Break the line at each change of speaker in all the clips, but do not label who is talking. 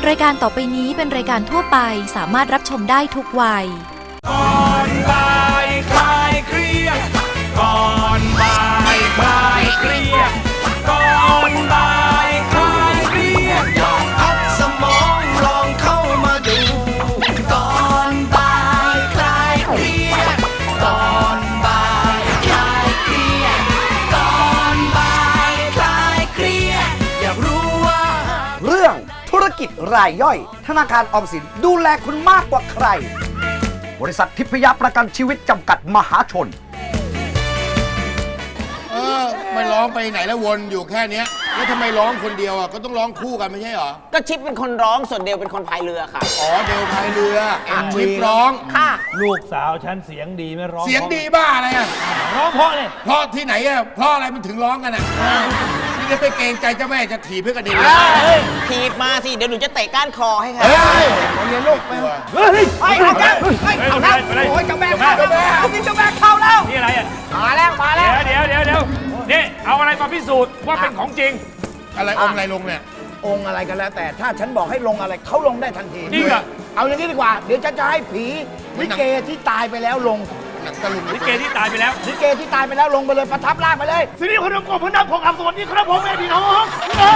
รายการต่อไปนี้เป็นรายการทั่วไปสามารถรับชมได้ทุกวัย
ก่อนบ่ายคลายเครียดก่อนบ่ายคลายเครียดก่อนบ่ายคลายเครียดลองพักสมองลองเข้ามาดูก่อนบ่ายคลายเครียดก่อนบ่ายคลายเครียดก่อนบ่ายคลายเครียดอยากรู้ว่า
เรื่องธุรกิจรายย่อยธนาคารออมสินดูแลคุณมากกว่าใครบริษัททิพยประกันชีวิตจำกัดมหาชน
ไม่ร้องไปไหนแล้ววนอยู่แค่เนี้ยแล้วทำไมร้องคนเดียวอ่ะก็ต้องร้องคู่กันไม่ใช่เหรอ
ก็ชิปเป็นคนร้องส่วนเดวเป็นคนพายเรือค่ะ
อ๋อเดวพายเรือชิปร้อง
ค่ะ
ลูกสาวฉันเสียงดีไม่ร้อง
เสียงดีบ้าอะไรอ่ะ
ร้องเพราะเนี่ย
เพราะที่ไหนอ่ะเพราะอะไรมันถึงร้องกันอ่ะนี่จะไปเกรงใจเจ้าแม่จะถีบเพื่อกระดิ่ง
ถีบมาสิเดี๋ยวหนูจะเตะก้านคอให้ค่ะ
เรียนลูกไป
เฮ้ย
เอาแก้วเอาแล้วโอ้ยเจ้าแม่เข้าเจ้าแม่เข้าแล้ว
นี่อะไรอ่ะ
มาแล้ว
เดี๋ยวนี่เอาอะไรมาพิสูจน์ว่าเป็นของจริง
อะไรองค์อะไรลงเนี่ย
องค์อะไรกันแล้วแต่ถ้าฉันบอกให้ลงอะไรเขาลงได้ทันที
จริงเหรอ
เอาอย่างนี้ดีกว่าเดี๋ยวฉันจะให้ผีลิเกที่ตายไปแล้วลง
หนังตะลุง
ลิเกที่ตายไปแล้ว
ลิเกที่ตายไปแล้วลงไปเลยประทับร่างไปเลย
สิริพนมกบพนักของอับสวัสดีครับผมแม่พี่น้อง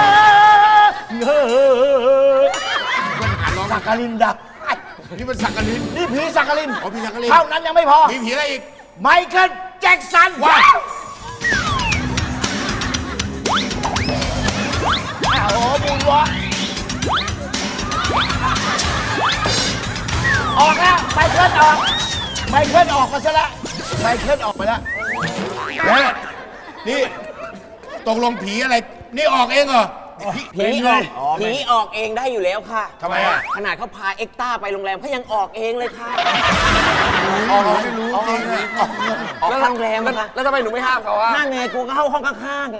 สักกลินดับ
นี่มันสักกลิน
นี่ผีสักกลิน
อ๋อผีสักกลิน
เท่านั้นยังไม่พอ
มีผีอะไรอีก
ไมเคิลแจ็คสัน
ว้าว
โอ้โหบุญวะออกแล้วไมเคิลออกมาซะแล้วไมเคิลออกไปแล้ว
นี่ตกลงผีอะไรนี่ออกเองเหรอ
ผีออกเองได้อยู่แล้วค่ะ
ทำไมอ่ะ
ขนาดเขาพาเอ็กต้าไปโรงแรมเขายังออกเองเลยค่ะ
ไม่รู้จริงเลย
ออกโรงแรมค่ะ
แล้วทำไมหนูไม่ห้ามเขาอ่ะ
ห้ามไงกูก็เข้าห้องข้าง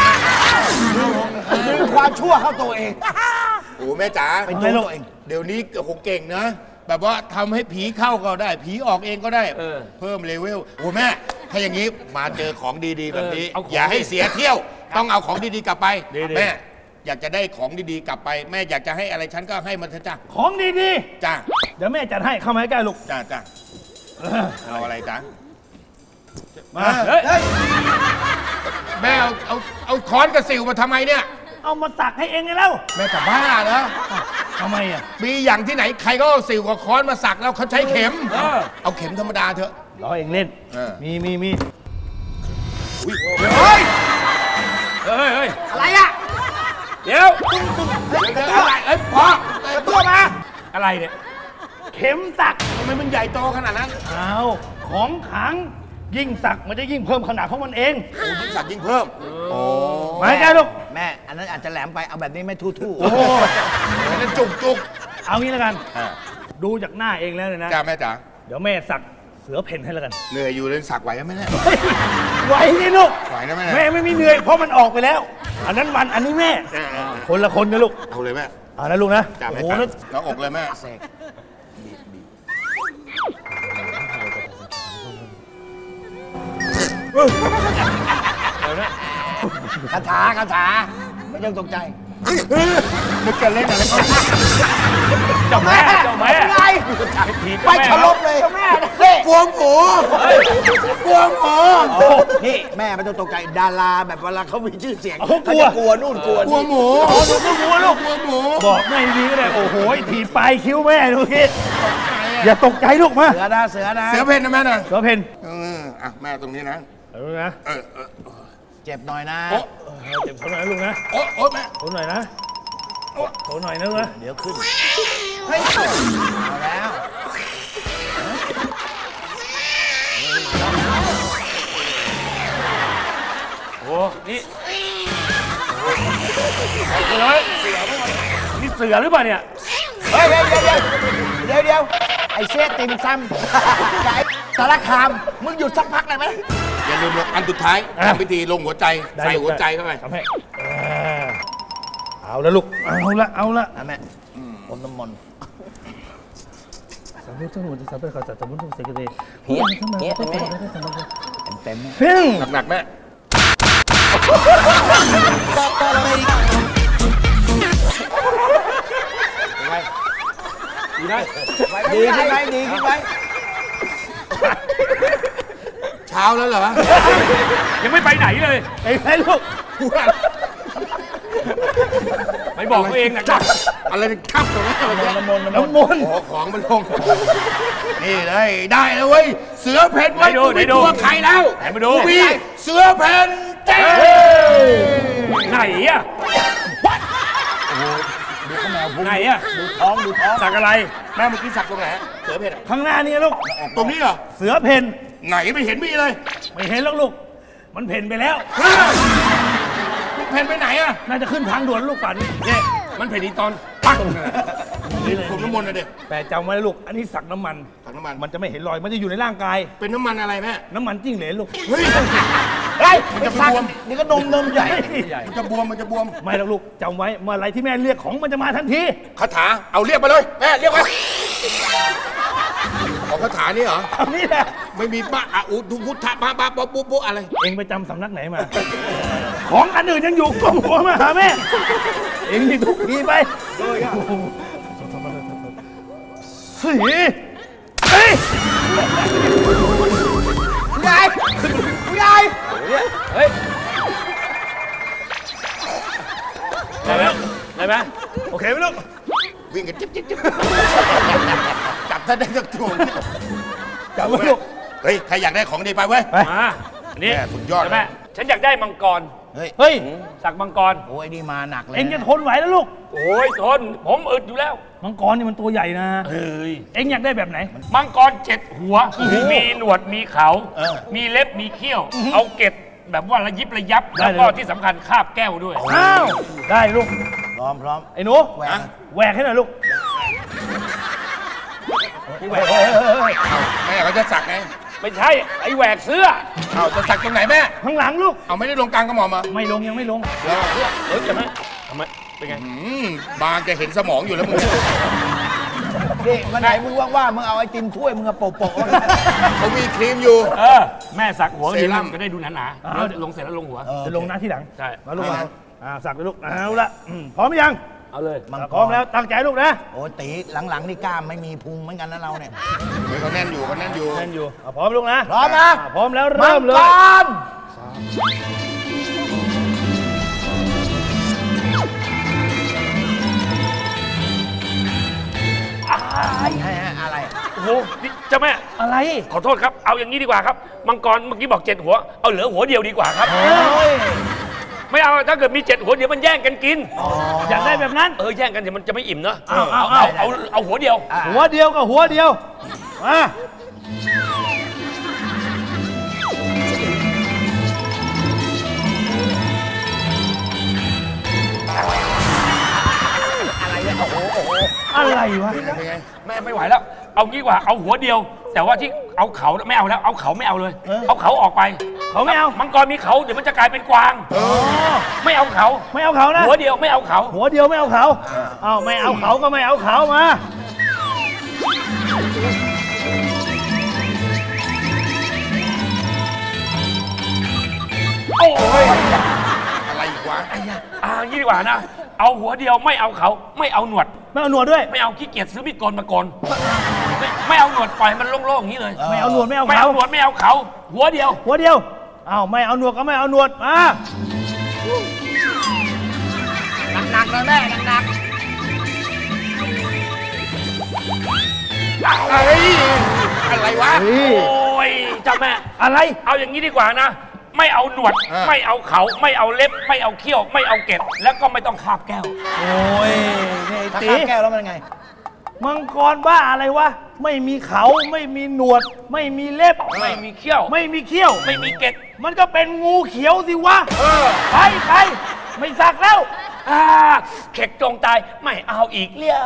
ดึงความชั่วเข้าตัวเอง
โอ้แม่จ๋า
เป็นตัวเอง
เดี๋ยวนี้โอ้โหเก่งนะแบบว่าทำให้ผีเข้าก็ได้ผีออกเองก็ได้เพิ่มเลเวลโอ้แม่ถ้าอย่างนี้มาเจอของดีๆแบบนี้อย่าให้เสียเที่ยวต้องเอาของดีๆกลับไปแม่อยากจะได้ของดีๆกลับไปแม่อยากจะให้อะไรฉันก็ให้มันเถอะจ้า
ของดี
ๆจ้า
เดี๋ยวแม่จัดให้เข้ามาใกล้ลูก
จ้าเอาอะไรจ้า
มา
แม่เอาค้อนกระสิวมาทำไมเนี่ย
เอามาสักให้เองไงแล้ว
แม่จะบ้าเหรอ
ทำไมอ่ะ
มีอย่างที่ไหนใครก็เอาสิวกับค้อนมาสักแล้วเขาใช้เข็มเอาเข็มธรรมดาเถอะ
ล้อเองเล่นมี
เฮ้ย
อะไรอ่ะ
เดี๋ยว
อะไรพ่อ
ตัวมา
อะไรเนี่ยเข็มสัก
ทำไมมันใหญ่โตขนาดนั้น
เอาของขังยิ่งสักมันจะยิ่งเพิ่มขนาดของมันเอง
ยิ่งสักยิ่งเพิ่มโอ้
ไม่ใช่ลูก
แม่อันนั้นอาจจะแหลมไปเอาแบบนี้ไม่ทู่
โอ้อันนั้นจุก
เอางี้แล้วกันดูจากหน้าเองแล้วเลยนะ
จ้าแม่จ๋า
เดี๋ยวแม่สักเสือเพ่นให้แล้วกัน
เหนื่อยอยู่เลยสักไหวไหมเนี่ย
ไหวนี่ลูก
ไหวนะ
แม่ไม่มีเหนื่อยเพราะมันออกไปแล้วอันนั้นมันอันนี้แม่คนละคนนะลูก
เอาเลยแม่
เอานะลูกนะ
โอ้โหแล้วอกเลยแม่
คาถาไม่ต้องตกใจ
นึกกันเล่นอะไรก็
เจ้าแม่
ไงไปฉลบเลยแม่
กลัวหมู
นี่แม่ไม่ต้องตกใจดาราแบบเวลาเขามีชื่อเสียง
เขา
กลัวนู่นกลัว
หมู
กลัวลูกบอกแม่ดีก็ได้โอ้โหถีบปลายคิ้วแม่ดูคิดอย่าตกใจลูกมา
เสือ
เพนนะแม่นะ
เสือเพน
อ่ะแม่ตรงนี้นะ
เจ็บหน่อยนะ
เจ็บเขาหน่อยลูกนะ
โอ้แม่
เขาหน่อยนะเขาหน่อยนะลูกนะ
เดี๋ยวขึ้นเฮ้ยเอาแล้ว
โอ้นี่เลยนี่เสือหรือเปล่าเนี่ย
เฮ้ยเดี๋ยวไอ้เชฟติ่มซำไก่สารคามมึงหยุดสักพักได้ไหม
อย่าลืมอันสุดท้ายทำพิธีลงหัวใจใส่หัวใจเข้าไป
ทำให้เอาละลูกเอาละ
แม่อมน้ำมนต์
สาธุทั้งหมดจะสาธุขอจัดสมุนทุกสิ่งเลย
เพี้ยแม่
เต็ม
หนักแม่ไง
ดีขึ้นไหมดีขึ้นไหม
เช้าแล้วเหรอ
ยังไม่ไปไหนเลยไอ้แม่ลูกไม่บอกตัวเองนะ
อะไรข้ามตรงนี้อะไรเนี่ย
น้ำมนต์
โอ้ของมันลง นี่เลยได้แล้วเว้ย เสือเพ่นไว้กูไม่กลัวใครแล้ว
ไหนมาดู
กูมีเสือเพ่นเจ๊
ไหนอะไหนอะสักอะไร
แม่เมื่อกี้สักตรงไหนเสือเพ่นอะ
ข้างหน้านี่ลูก
ตรงนี้เหรอ
เสือเพน
ไหนไม่เห็นมีเลย
ไม่เห็นแล้วลูก มันเพนไปแล้ว
เพ่นไปไหนอะ
น่าจะขึ้นทางด่วนลูกป่านนี้
เนี่ย
มันเพนอีตอนปัง
ผมน้ำมนต์นะเด็ก
แต่จำไว้นะลูก อันนี้สักน้ำมัน
ถังน้ำมัน
มันจะไม่เห็นรอย มันจะอยู่ในร่างกาย
เป็นน้ำมันอะไรแม่
น้ำมันจิ้งเหลนลูก
เฮ้ย
เฮ้ย
มันจะบวม
นี่ก็นมใหญ่
มันจะบวมมันจะบวม
ไม่หรอกลูกจำไว้ เมื่อไรที่แม่เรียกของมันจะมาทันที
คาถาเอาเรียกมาเลยแม่เรียกมาของคาถานี่เหรอ
เอานี่แหละ
ไม่มีบ้าอะอุดุพุทธะบ้าบ้าบ๊อบบุ๊บบุ๊บอะไร
เองไปจำสำนักไหนมา ของอันอื่นยังอยู่กล่องหัวมาหาแม่ เองนี่ทุกทีไปสีเฮ้ย
ผู้ใหญ่ผู้ใหญ่
ได้ไหมได้ไหมโอเคไหมลูก
วิ่งกันจิ๊บจิ๊บจิ๊บจับถ้าได้สักตัว
จับไว้ลูก
เฮ้ยใครอยากได้ของดีไปเว้ย
ไป
มาอันนี้
แม่สุดยอดเลย
ใช่ไหมฉันอยากได้มังกร
เฮ้ย
สักมังกร
โอ้ยนี่มาหนักเลย
เองจะทนไหวแล้วลูก
โอ้ยทน ผมอึดอยู่แล้ว
มังกรนี่มันตัวใหญ่นะ
เฮ้ย
เองอยากได้แบบไหน
มังกร7 หัว มีหนวด มีเขา มีเล็บ มีเขี้ยว เอาเกล็ดแบบว่าระยิบระยับ
ได้
แล้ว
เลย
ก็ที่สำคัญคาบแก้วด้วย
อ้าว ได้ลูก
พร้อมพร้อม
ไอ้หนู
แหวน
แหวกให้หน่อยลูกแหวก
แม่เขาจะสักไง
ไม่ใช่ ไอ้แหวกเสื้อ
เอาจะสักตรงไหนแม่
ข้างหลังลูก
เอาไม่ได้ลงกลางกระหม่อมมา
ไม่ลงยังไม่ลง
เฮ้ยจะไหมทำไม เป็นไง
บางจะเห็นสมองอยู่แล้วมึง
นี่วันไหนมึงว่างๆมึงเอาไอติมถ้วยมึงเอาโปะๆแล้วกัน
เขามีครีมอยู่
เออ แม่สักหัว
เซรั่ม
จะได้ดูหนา
อ้าว
ๆเดี๋ยวลงเสร็จแล้วลงหัว
จะลงหน้าที่หลัง
ใช่
มาลูกมาสักเลยลูก เอาละพร้อมหรือยัง
เอาเลย
มังก
พร้อม
ร
แล้ว ตั้งใจลูกนะ
โอ้ยตีหลังๆนี่กล้ามไม่มีพุงเหมือนกันนะเราเนี่ย
เฮ้ยเขาแน่นอยู่เขาแน่นอยู่
แน่นอยู่พร้อมลูกนะ
พร้อมนะ
พร้อมแล้วเริ่มเลย
มังกรอะไร
โอ้โหนี่เจ้าแม่
อะไร
ขอโทษครับ เอาอย่างนี้ดีกว่าครับ มังกรเมื่อกี้บอก7 หัว เอาเหลือหัวเดียวดีกว่าครับ ไม่เอา ถ้าเกิดมี7 หัวเดี๋ยวมันแย่งกันกิน
อยากได้แบบนั้น
แย่งกันเดี๋ยวมันจะไม่อิ่มเนอะ
เอา
เอาหัวเดียว
หัวเดียวกับหัวเดียว มา อะไรวะ
เป็นไง
แม่ไม่ไหวแล้ว เอางี้ดีกว่า เอาหัวเดียว แต่ว่าที่เอาเขาไม่เอาแล้ว เอาเขาไม่เอาเลย เอาเขาออกไป
เขาไม่เอา
มังกรมีเขาเดี๋ยวมันจะกลายเป็นกวาง ไม่เอาเขา
ไม่เอาเขานะ
หัวเดียวไม่เอาเขา
หัวเดียวไม่เอาเขา เอาไม่เอาเขาก็ไม่เอาเขามา
โอ้ย
อะไรอีกวะ
งี้ดีกว่านะ เอาหัวเดียวไม่เอาเขา ไม่เอาหนวด
ไม่เอาหนวดด้วย
ไม่เอาขี้เกียจซื้อมีดโกนมาโกนไม่เอาหนวดปล่อยมันโล่งๆอย่างนี้เลย
ไม่เอาหนวดไม่เอา
ไม่
เขา
เอาหนวดไม่เอาเขา หัวเดียว
หัวเดียว เอาไม่เอาหนวดก็ไม่เอาหนวด มา
หนักๆเลยแม่หนัก
เฮ้ยอะไรวะ
โอ้ยเจ้าแม่
อะไร
เอาอย่างนี้ดีกว่านะ ไม่เอาหนวด ไม่เอาเขา ไม่เอาเล็บ ไม่เอาเขี้ยว ไม่เอาเกล็ด แล้วก็ไม่ต้องคาบแก้ว
โอ้ยนี่
ๆถ้า
ตี
ข้ามแก้วแล้วมันไง
มังกรบ้าอะไรวะ ไม่มีเขาไม่มีหนวด ไม่มีเล็บ
ไม่มีเขี้ยว
ไม่มีเขี้ยว
ไม่มีเกล็ด
มันก็เป็นงูเขียวสิวะ ไปไปไม่สักแล้ว
เข็กจงตาย ไม่เอาอีกเลี้ยว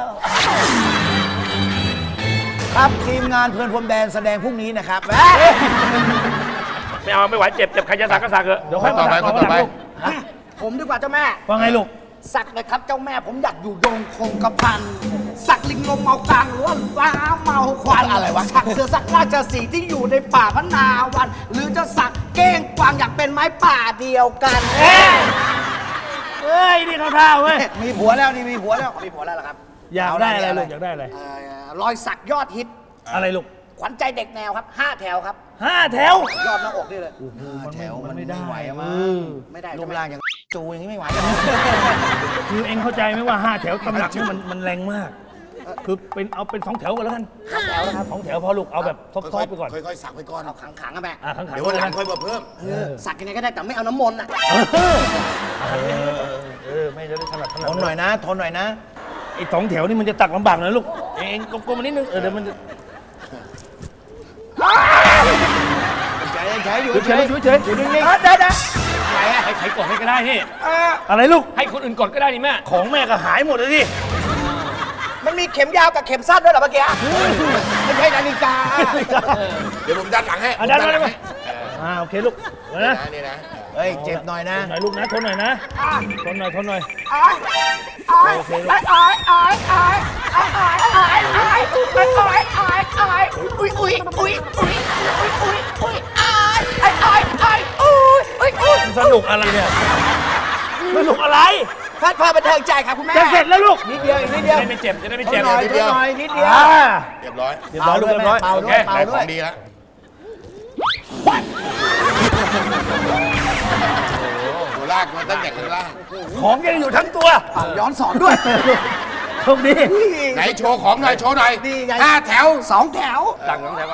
ครับทีมงานเพลินพรมแดนแสดงพรุ่งนี้นะครับ
ไม่เอาไม่ไหวเจ็บใครจะสักก็สักเถอะ
เดี๋ยวค่อย
ต่อไป
มา
ต่อไป
ลูก
ผมดีกว่าเจ้าแม่
ว่าไงลูก
สักเลยครับเจ้าแม่ผมอยากอยู่ดงคงกระพัน สักลิงลมเมากลางหรือว่าว้าเมาควัน
อะไรวะ
สักเสือสักราชสีห์ที่อยู่ในป่าพนาวัน หรือจะสักเก้งกวางอยากเป็นไม้ป่าเดียวกัน
เฮ้ย นี่เขาท่าเว้ย
มีผัวแล้วนี่มีผัวแล้ว
มีผัวแล้วเหรอครับ
อยากได้อะไรลูกอยากได้อะไร
รอยสักยอดฮิต
อะไรลูก
ขวัญใจเด็กแนวครับ5 แถวครับ
5 แถว
ยอดหน้าอกนี่เลย
มันไม่ได้
ไม่ได้
รูปร่างอย่างจูอย่างนี้ไม่ไหว
คือเองเข้าใจไหมว่า 5 แถวตำหนักนี่มันแรงมาก คือเอาเป็น 2 แถวกันแล้วกัน
2 แถวนะครับ
2 แถวพอลูกเอาแบบซอฟต์ๆไปก่อน
ค่อยๆสักไปก่อน
เอาขังๆอะแม่
ขังๆ
เดี๋ยววันหลังค่อยมาเพิ่ม
สักยังไงก็ได้แต่ไม่เอาน้ำมนต์อะ
ไม่ได้ถนัด
ทนหน่อยนะ ทนหน่อยนะ
ไอ้2 แถวนี่มันจะตักลำบากหน่อยลูก เองกลมๆมานิดนึงเดี๋ยวมันจะ
ใช้อยู่
เฉยๆอยู่นิ่ง
ได้
อะไรอะให้ใครกดให้ก็ได้นี่
ๆอะไรลูก
ให้คนอื่นกดก็ได้นี่แม่
ของแม่ก็หายหมดเลยดิ
มันมีเข็มยาวกับเข็มสั้นด้วยเหรอเมื่อกี้ไม่ใช่นาฬิกา
เดี๋ยวผมดันหลังให้
ดัน
ผม
มาเลย
หลั
มาง
ให้
โอเคลูกนะ
นี่นะ
เฮ้ย เจ็บหน่อยนะ
ทนหน่อยลูกนะทนหน่อยนะทนหน่อย โอเคลูก สนุกอะไรเนี่ยสนุกอะไร
พัดพาบันเทิงใจครับคุณแม่
จะเสร็จแล้วลูก
นิดเดียวอีกนิดเดียว
จะได้ไม่เจ็บ จะได้ไม่
ท
เจ็
น
บ
หน่อยทนหน่อยนิดเดียว
เรียบร้อย
เรียบร้อยลูกเรียบร้อย
เป่า
โอ
ด้
เค
วยเป่า
ได้ข
ด้ว
อย งดีแล้ว ตัวลากมาตั้งแต่ข้างล่าง
ของยังอยู่ทั้งตัว
ย้อนสอนด้วย
โชคดี
ไหนโชว์ของหน่อย โชว์หน่อย
นี่ไง
5 แถว
2 แถว
สั่งน้องแทนว่า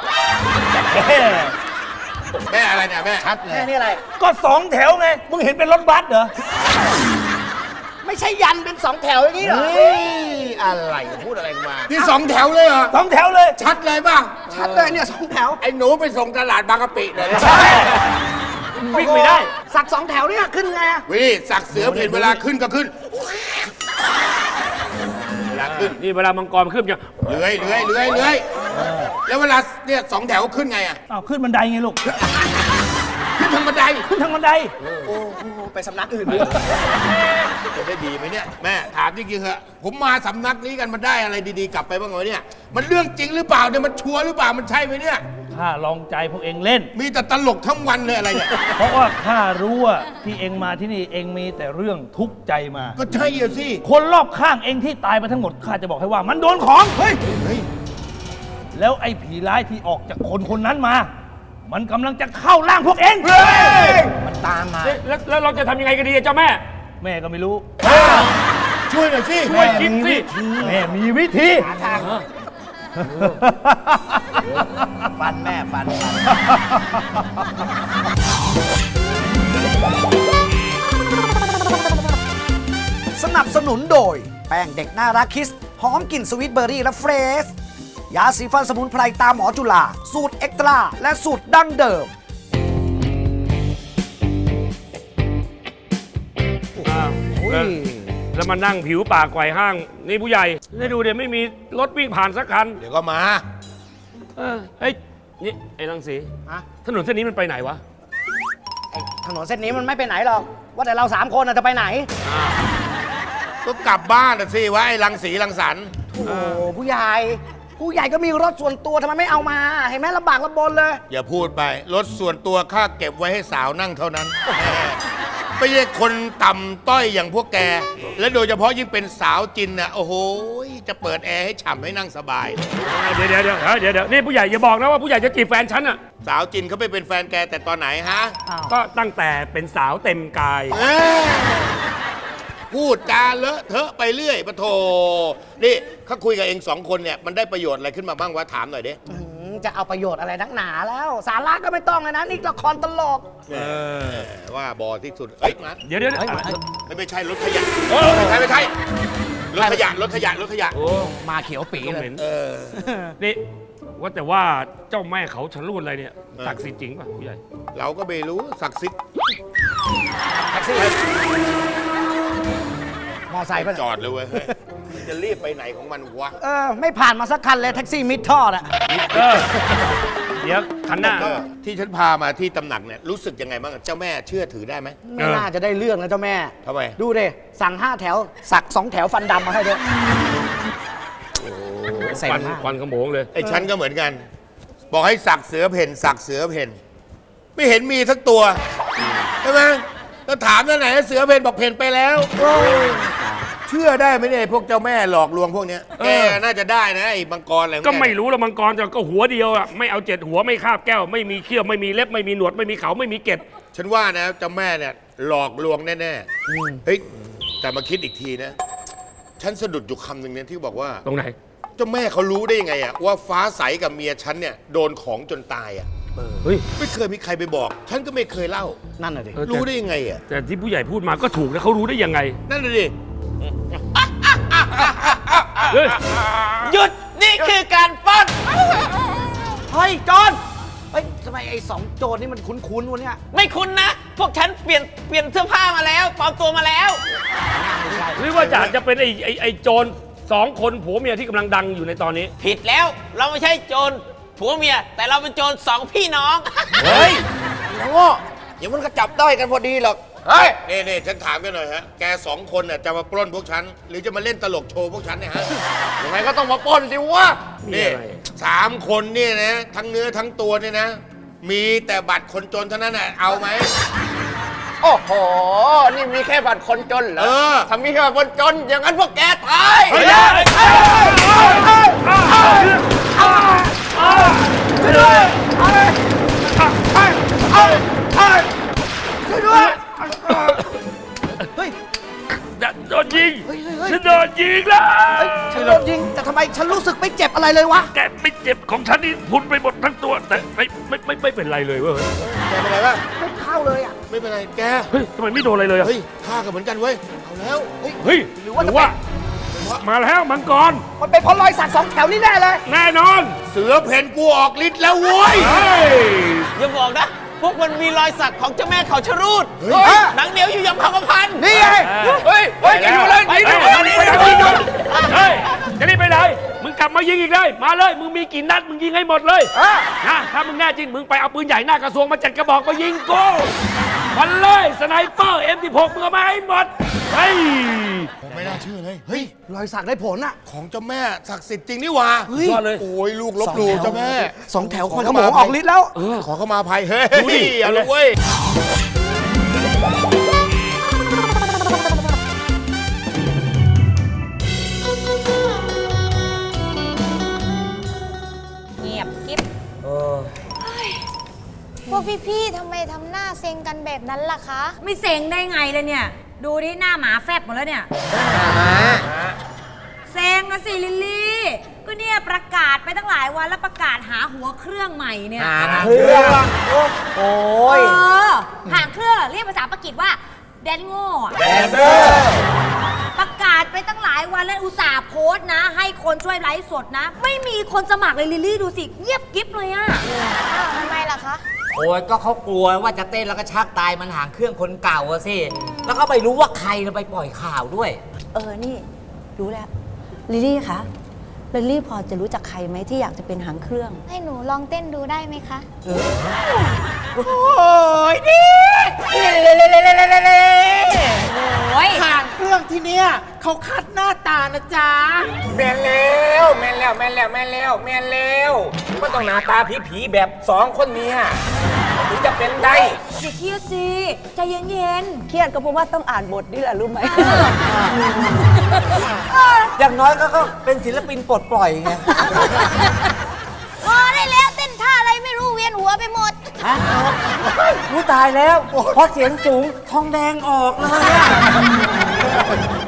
แม่อะไรเนี่ยแม่ชัดเล
แม่
ย
นี่อะไร
ก็ 2 แถวไง มึงเห็นเป็นรถบัสเหรอ
ไม่ใช่ยันเป็น 2 แถวอย่างนี้เหรอ
เฮ้ย อะไรพูดอะไรมา
นี่ 2 แถวเลยเหรอ
2 แถวเลย
ชัดเลยป่ะ
ชัดเลยเนี่ย2 แถว
ไอ้หนูไปส่งตลาดบางกะปิเลย
วิ่งไม่ได้
สัก 2 แถวเนี่ยขึ้นไงอะ
วิสักเสือเห็นเวลาขึ้นก็ขึ้น เวลาขึ้น
นี่เวลามังกรขึ้นจะ
เลื้อยแล้วเวลาเนี่ย2 แถวขึ้นไงอ่ะ
อ้าวขึ้นบันไดไงลูก
ขึ้นทางบันได
ขึ้นทางบันได
โอ้โหไปสำนักอื่น
จะได้ดีไหมเนี่ยแม่ถามจริงๆเหอะผมมาสำนักนี้กันมันได้อะไรดีๆกลับไปบ้างไหมเนี่ยมันเรื่องจริงหรือเปล่าเนี่ยมันชัวร์หรือเปล่ามันใช่ไหมเนี่ย
ข้าลองใจพวกเองเล่น
มีแต่ตลกทั้งวันเลยอะไรเนี่ย
เพราะว่าข้ารู้ว่าที่เองมาที่นี่เองมีแต่เรื่องทุกข์ใจมา
ก็ใช่อะสิ
คนรอบข้างเองที่ตายไปทั้งหมดข้าจะบอกให้ว่ามันโดนของ เฮ้ย แล้วไอ้ผีร้ายที่ออกจากคนคนนั้นมา มันกำลังจะเข้าร่างพวกเอง
มันตามมา
แล้วเราจะทำยังไงกันดีอะเจ้าแม่
แม่ก็ไม่รู้
ช่วยหน่อยสิ
ช่วยคิดสิ
แม่มีวิธี
ฟันแม่ฟัน
สนับสนุนโดย แป้งเด็กน่ารักคิส หอมกลิ่นสวีทเบอร์รี่และเฟรชยาสีฟันสมุนไพรตามหมอจุฬาสูตรเอ็กตร้าและสูตรดั้งเดิม
แล้วมานั่งผิวปากไกวห้าง นี่ผู้ใหญ่ได้ดูเดี๋ยวไม่มีรถวิ่งผ่านสักคัน
เดี๋ยวก็มา
เฮ้ย นี่ ไอ้รังสี
ฮะ
ถนนเส้นนี้มันไปไหนวะ
ไอ้ถนนเส้นนี้มันไม่ไปไหนหรอก ว่าแต่เรา3 คนน่ะจะไปไหน
ก็กลับบ้านน่ะสิวะไอ้รังสีรังสรรค์
โอ้โหผู้ใหญ่ก็มีรถส่วนตัวทำไมไม่เอามา เห็นไหมลำบากลำบนเลย
อย่าพูดไป รถส่วนตัวข้าเก็บไว้ให้สาวนั่งเท่านั้น ไม่ใช่คนต่ำต้อยอย่างพวกแก และโดยเฉพาะยิ่งเป็นสาวจินน่ะโอ้โหจะเปิดแอร์ให้ฉ่ำให้นั่งสบาย
เดี๋ยวนี่ผู้ใหญ่อย่าบอกนะว่าผู้ใหญ่จะจีบแฟนฉันอ่ะ
สาวจินเขาไปเป็นแฟนแกแต่ตอนไหนฮะ
ก็ตั้งแต่เป็นสาวเต็มกาย
เอ้ยพูดจาเลอะเทอะไปเรื่อยปะโถนี่เขาคุยกับเอง2 คนเนี่ยมันได้ประโยชน์อะไรขึ้นมาบ้างวะถามหน่อยดิ
จะเอาประโยชน์อะไรนักหนาแล้ว สาระก็ไม่ต้องเลยนะ นี่ละครตลก
ว่าบอที่สุดเอ้ยมา
เดี๋ยว
ไม่ใช่รถขยะไม่ใช่รถขยะ
โอ้
มาเขียวปีเลย
เห็นนี่ว่าแต่ว่าเจ้าแม่เขาชะลูดอะไรเนี่ยศักดิ์สิทธิ์จริงป่ะผู้ใหญ่
เราก็ไม่รู้ศักดิ์สิทธิ์
แท็กซี่ มอไซค์ป่ะ
จอดเลยเว้ยเฮ้ยจะรีบไปไหนของมันวะ
ไม่ผ่านมาสักคันเลยแท็กซี่มิดท่อน่ะ
เดี๋ยวคันหน้า
ที่ฉันพามาที่ตำหนักเนี่ยรู้สึกยังไงบ้างเจ้าแม่เชื่อถือได้ไหม
ไม่น่าจะได้เรื่องนะเจ้าแม่
ทำไม
ดูดิสั่ง5 แถว สัก 2 แถวฟันดำมาให้ด้วยเซ็งมาก
ควันขโมงเลย
ไอ้ฉันก็เหมือนกัน บอกให้สักเสือเพ่นสักเสือเพ่นไม่เห็นมีสักตัวใช่ไหมแล้วถามที่ไหนเสือเพ่นบอกเพ่นไปแล้วเชื่อได้ไหมเนี่ยพวกเจ้าแม่หลอกลวงพวกเนี้ยแกน่าจะได้นะไอ้มังกรอะไรของแ
ก็ไม่รู้ละมังกรแต่ก็หัวเดียวอ่ะไม่เอา7 หัวไม่คาบแก้วไม่มีเขี้ยวไม่มีเล็บไม่มีหนวดไม่มีเขาไม่มีเกล็ด
ฉันว่านะเจ้าแม่เนี่ยหลอกลวงแน่ๆเฮ้ยแต่มาคิดอีกทีนะ ฉันสะดุดอยู่คำหนึ่งเนี่ยที่บอกว่า
ตรงไหน
เจ้าแม่เขารู้ได้ยังไงอะว่าฟ้าใสกับเมียฉันเนี่ยโดนของจนตายอะ
เฮ้ย
ไม่เคยมีใครไปบอก ฉันก็ไม่เคยเล่า
นั่นน่ะดิ
รู้ได้ยังไงอะ
แต่ที่ผู้ใหญ่พูดมาก็ถูกนะเขารู้ได้ยังไง
นั่นน่ะดิ
เฮ้ย
หยุดนี่คือการปล้น
เฮ้ยโจรเฮ้ยทำไมไอ้2 โจรนี่มันคุ้นๆวะเนี่ย
ไม่คุ้นนะ พวกฉันเปลี่ยนเสื้อผ้ามาแล้วปลอมตัวมาแล้ว
หรือว่าจะเป็นไอ้โจร2 คนผัวเมียที่กำลังดังอยู่ในตอนนี้
ผิดแล้วเราไม่ใช่โจรผัวเมีย แต่เราเป็นโจร2 พี่น้อง
เฮ้ยน้องโง่เดี๋ยวมันก็จับได้กันพอดีหรอก เฮ้ยนี่ฉันถามกันหน่อยฮะ แก2 คนน่ะจะมาปล้นพวกฉัน หรือจะมาเล่นตลกโชว์พวกฉันเนี่ยฮะ ยังไงก็ต้องมาปล้นสิวะ
นี่
นี่
อะไร
3 คนเนี่ยนะ ทั้งเนื้อทั้งตัวเนี่ยนะ มีแต่บัตรคนจนเท่านั้นน่ะ เอาไหม
โอ้โห นี่มีแค่บัตรคนจนเหรอ
เออ
ถ้ามีแค่บัตรคนจน อย่างนั้นพวกแกตาย
เฮ้ย โดนยิงฉันโดนยิงแล้ว
ฉันโดนยิงแต่ทำไมฉันรู้สึกไม่เจ็บอะไรเลยวะ
แกไม่เจ็บของฉันนี่พุนไปหมดทั้งตัว แต่ไม่เป็นไรเลยเว้ย
แกเป็นไรวะ
ไม่เข้าเลยอ่ะ
ไม่เป็นไร แก
เฮ้ยทำไมไม่โดนอะไรเลยอะ
เฮ้ยฆ่ากันเหมือนกันเว้ย เอาแล้ว
เฮ้ย
หรือว่าจะ
มาแล้วมังกร
มันเป็นเพราะรอยสัก2 แถวนี่แน่เลย
แน่นอน
เสือเพ่นกูออกฤทธิ์แล้วเว้ย
เฮ้ย
อย่าบอกนะ พวกมันมีรอยสักของเจ้าแม่เขาชะรูด
เฮ้ย
หนังเหนียวอยู่ยงคำพัน
นี่ไง
เฮ้ยจะอยู่เลย
ไปไหนเฮ้ยจะรีบไปไหนมึงกลับมายิงอีกเลยมาเลยมึงมีกี่นัดมึงยิงให้หมดเลยนะถ้ามึงแน่จริงมึงไปเอาปืนใหญ่หน้ากระทรวงมา7 กระบอกมายิงกูมันเลยสไนเปอร์ M16 มึงเอามาให้หมดเฮ้ย
ไม่น่าเชื่อเลย เฮ้ย
รอยสักได้ผลอ่ะ
ของเจ้าแม่ศักดิ์สิทธิ์จริงนี่หว่า
เฮ้ย
ยอดเลย
โอ้ยลูกลบหลู่เจ้าแม่
2 แถวคอยขโมงออกฤทธิ์แล้ว
ขอเข้ามาภัยเฮ้ย
ดูดิ
เอาเลยเว้ย
เงียบกิ๊บพวกพี่ๆทำไมทำหน้าเซ็งกันแบบนั้นล่ะคะ
ไม่เซ็งได้ไงเลยเนี่ย ดูดิหน้าหมาแฟบหมดแล้วเนี่ยเซ็งนะสิลิลลี่ ก็เนี่ยประกาศไปตั้งหลายวันแล้วประกาศหาหัวเครื่องใหม่เนี่ย
เครื่องโอ้ย
หางเครื่องเรียกภาษาปากีสว่าแดนโง่อะประกาศไปตั้งหลายวันแล้วอุตส่าห์โพสต์นะ ให้คนช่วยไลฟ์สดนะ ไม่มีคนสมัครเลยลิลลี่ดูสิเงียบกิ๊บเลยอะ
ทำไมล่ะคะ
โอ้ยก็เขากลัวว่าจะเต้นแล้วก็ชักตายมันหางเครื่องคนเก่าอะสิ แล้วก็ไปรู้ว่าใครไปปล่อยข่าวด้วย
นี่รู้แล้ว ลิลลี่คะลิลลี่พอจะรู้จักใครไหมที่อยากจะเป็นหางเครื่อง
ให้หนูลองเต้นดูได้ไหมคะ
โอ้ยดิ
โอ้ย
หางเครื่องที่เนี้ยเขาคัดหน้าตานะจ๊ะ
แม่นแล้วไม่ต้องหน้าตาผีๆแบบ2 คนเมียถึงจะเป็นได้
อย่าเครียดสิใจเย็น
เครียดก็เพราะว่าต้องอ่านบทนี่แหละรู้ไหม
อย่างน้อยก็เป็นศิลปินปลดปล่อยไง
พอได้แล้วเต้นท่าอะไรไม่รู้เวียนหัวไปหมด
รู้ตายแล้ว เพราะเสียงสูงทองแดงออกเลยอะ